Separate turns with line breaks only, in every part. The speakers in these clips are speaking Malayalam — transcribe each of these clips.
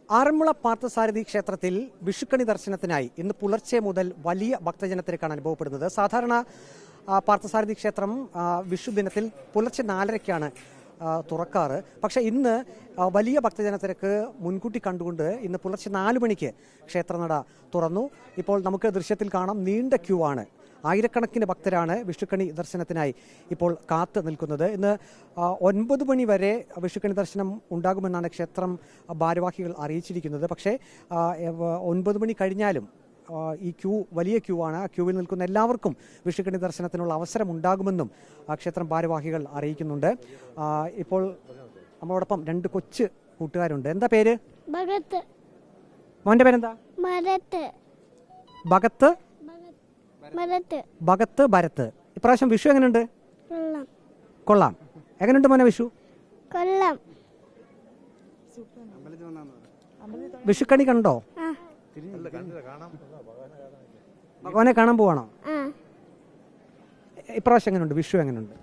ആറന്മുള പാർത്ഥസാരഥി ക്ഷേത്രത്തിൽ വിഷുക്കണി ദർശനത്തിനായി ഇന്ന് പുലർച്ചെ മുതൽ വലിയ ഭക്തജനത്തിരക്കാണ് അനുഭവപ്പെടുന്നത്. സാധാരണ പാർത്ഥസാരഥി ക്ഷേത്രം വിഷു ദിനത്തിൽ പുലർച്ചെ 4:30-ക്കാണ് തുറക്കാറ്. പക്ഷേ ഇന്ന് വലിയ ഭക്തജനത്തിരക്ക് മുൻകൂട്ടി കണ്ടുകൊണ്ട് ഇന്ന് പുലർച്ചെ 4 മണിക്ക് ക്ഷേത്രനട തുറന്നു. ഇപ്പോൾ നമുക്ക് ദൃശ്യത്തിൽ കാണാം, നീണ്ട ക്യൂ ആണ്. ആയിരക്കണക്കിന് ഭക്തരാണ് വിഷുക്കണി ദർശനത്തിനായി ഇപ്പോൾ കാത്തു നിൽക്കുന്നത്. ഇന്ന് 9 മണി വരെ വിഷുക്കണി ദർശനം ഉണ്ടാകുമെന്നാണ് ക്ഷേത്രം ഭാരവാഹികൾ അറിയിച്ചിരിക്കുന്നത്. പക്ഷേ 9 മണി കഴിഞ്ഞാലും ഈ ക്യൂ വലിയ ക്യൂ ആണ്. ആ ക്യൂവിൽ നിൽക്കുന്ന എല്ലാവർക്കും വിഷുക്കണി ദർശനത്തിനുള്ള അവസരം ഉണ്ടാകുമെന്നും ക്ഷേത്രം ഭാരവാഹികൾ അറിയിക്കുന്നുണ്ട്. ഇപ്പോൾ നമ്മളോടൊപ്പം 2 കൊച്ചു കൂട്ടുകാരുണ്ട്. എന്താ പേര്?
ഭഗത്ത്.
മോന്റെ പേരെന്താ? ഭഗത്ത്. ഭഗത്ത് ഭരത്ത്. ഇപ്രാവശ്യം വിഷു എങ്ങനെയുണ്ട്? കൊള്ളാം. എങ്ങനെയുണ്ട് മോനെ വിഷു?
കൊള്ളാം.
വിഷുക്കണി കണ്ടോ? ഭഗവാനെ കാണാൻ പോവാണോ? ഇപ്രാവശ്യം എങ്ങനെയുണ്ട് വിഷു? എങ്ങനെയുണ്ട്?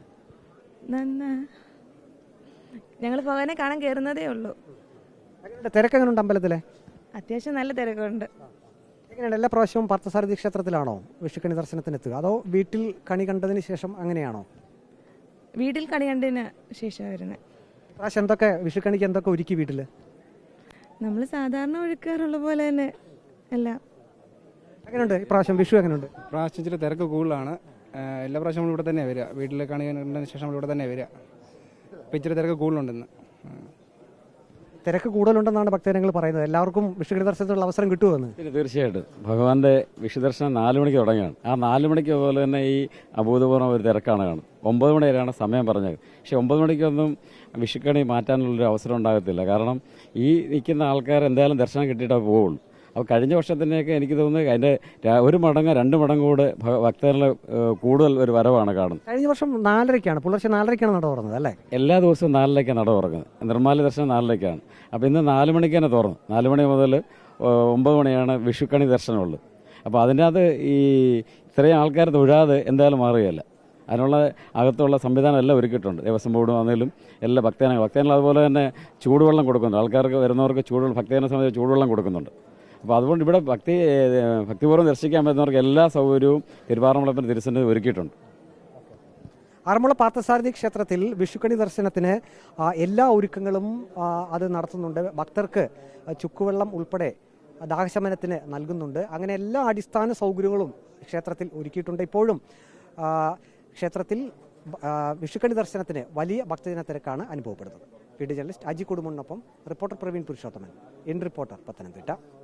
ഞങ്ങൾ ഭഗവാനെ കാണാൻ കയറുന്നതേ ഉള്ളൂ.
തിരക്ക് എങ്ങനെയുണ്ട് അമ്പലത്തിലെ?
അത്യാവശ്യം നല്ല തിരക്കുണ്ട്.
എങ്ങനെയാണ് എല്ലാ പ്രാവശ്യവും പാർത്ഥസാരഥി ക്ഷേത്രത്തിലാണോ വിഷുക്കണി ദർശനത്തിനെത്തുക, അതോ വീട്ടിൽ കണി കണ്ടതിന് ശേഷം അങ്ങനെയാണോ?
വീട്ടിൽ കണി കണ്ടതിന് ശേഷം വരുന്നത്.
പ്രാവശ്യം എന്തൊക്കെ വിഷുക്കണിക്ക് എന്തൊക്കെ ഒരുക്കി വീട്ടിൽ?
നമ്മൾ സാധാരണ ഒഴുക്കാറുള്ള പോലെ തന്നെ എല്ലാം.
എങ്ങനെയുണ്ട് ഇപ്രാവശ്യം വിഷു? എങ്ങനെയുണ്ട്?
പ്രാവശ്യം ഇച്ചിരി തിരക്ക് കൂടുതലാണ്. എല്ലാ പ്രാവശ്യം നമ്മളിവിടെ തന്നെ വരിക. വീട്ടിൽ കണി കണ്ടതിന് ശേഷം നമ്മളിവിടെ തന്നെ വരിക. ഇപ്പം ഇച്ചിരി തിരക്ക് കൂടുതലുണ്ടെന്ന്.
തിരക്ക് കൂടുതലുണ്ടെന്നാണ് ഭക്തജനങ്ങൾ പറയുന്നത്. എല്ലാവർക്കും വിഷുക്കണി ദർശനത്തിനുള്ള അവസരം കിട്ടുമെന്ന്.
പിന്നെ തീർച്ചയായിട്ടും ഭഗവാന്റെ വിഷുദർശനം 4 മണിക്ക് തുടങ്ങിയാണ്. ആ 4 മണിക്ക് പോലെ തന്നെ ഈ അഭൂതപൂർവ്വം ഒരു തിരക്കാണ് കാണുന്നത്. 9 മണി വരെയാണ് സമയം പറഞ്ഞത്. പക്ഷേ 9 മണിക്കൊന്നും വിഷുക്കണി മാറ്റാനുള്ളൊരു അവസരം ഉണ്ടാകത്തില്ല. കാരണം ഈ നിൽക്കുന്ന ആൾക്കാർ എന്തായാലും ദർശനം കിട്ടിയിട്ടേ പോവുള്ളൂ. അപ്പോൾ കഴിഞ്ഞ വർഷത്തിനൊക്കെ എനിക്ക് തോന്നുന്നത് അതിൻ്റെ 1 മടങ്ങ് 2 മടങ്ങ് കൂടെ ഭക്തരുടെ കൂടുതൽ ഒരു വരവാണ് കാണുന്നത്.
കഴിഞ്ഞ വർഷം 4:30-ക്കാണ്, പുലർച്ചെ 4:30-ക്കാണ് നട തുറന്നത് അല്ലേ?
എല്ലാ ദിവസവും 4:00-ക്കാണ് നട തുറക്കുന്നത്. നിർമ്മാല്യ ദർശനം 4:00-ക്കാണ്. അപ്പോൾ ഇന്ന് 4 മണിക്ക് തന്നെ തുറന്നു. 4 മണി മുതൽ 9 മണിയാണ് വിഷുക്കണി ദർശനമുള്ളത്. അപ്പോൾ അതിനകത്ത് ഈ ഇത്രയും ആൾക്കാർ തൊഴാതെ എന്തായാലും മാറുകയല്ല. അതിനുള്ള അകത്തുള്ള സംവിധാനം എല്ലാം ഒരുക്കിയിട്ടുണ്ട്. ദേവസ്വം ബോർഡ് വന്നാലും എല്ലാ ഭക്തജനങ്ങൾ അതുപോലെ തന്നെ ചൂടുവെള്ളം കൊടുക്കുന്നുണ്ട്. ആൾക്കാർക്ക് വരുന്നവർക്ക് ഭക്തജന സമയത്ത് ചൂടുവെള്ളം കൊടുക്കുന്നുണ്ട്. അപ്പോൾ അതുകൊണ്ട് ഇവിടെ ഭക്തിപൂർവ്വം ദർശിക്കാൻ പറ്റുന്നവർക്ക് എല്ലാ സൗകര്യവും തിരുവാറന്മുളത്തിന് തിരുസന്നിധി ഒരുക്കിയിട്ടുണ്ട്.
ആറന്മുള പാർത്ഥസാരഥി ക്ഷേത്രത്തിൽ വിഷുക്കണി ദർശനത്തിന് എല്ലാ ഒരുക്കങ്ങളും അത് നടത്തുന്നുണ്ട്. ഭക്തർക്ക് ചുക്കുവെള്ളം ഉൾപ്പെടെ ദാഹശമനത്തിന് നൽകുന്നുണ്ട്. അങ്ങനെ എല്ലാ അടിസ്ഥാന സൗകര്യങ്ങളും ക്ഷേത്രത്തിൽ ഒരുക്കിയിട്ടുണ്ട്. ഇപ്പോഴും ക്ഷേത്രത്തിൽ വിഷുക്കണി ദർശനത്തിന് വലിയ ഭക്തജന തിരക്കാണ് അനുഭവപ്പെടുന്നത്. വീഡിയോ ജേർണലിസ്റ്റ് അജി കുടുംബനൊപ്പം reporter Praveen Purushothaman, in reporter, Pathanamthitta.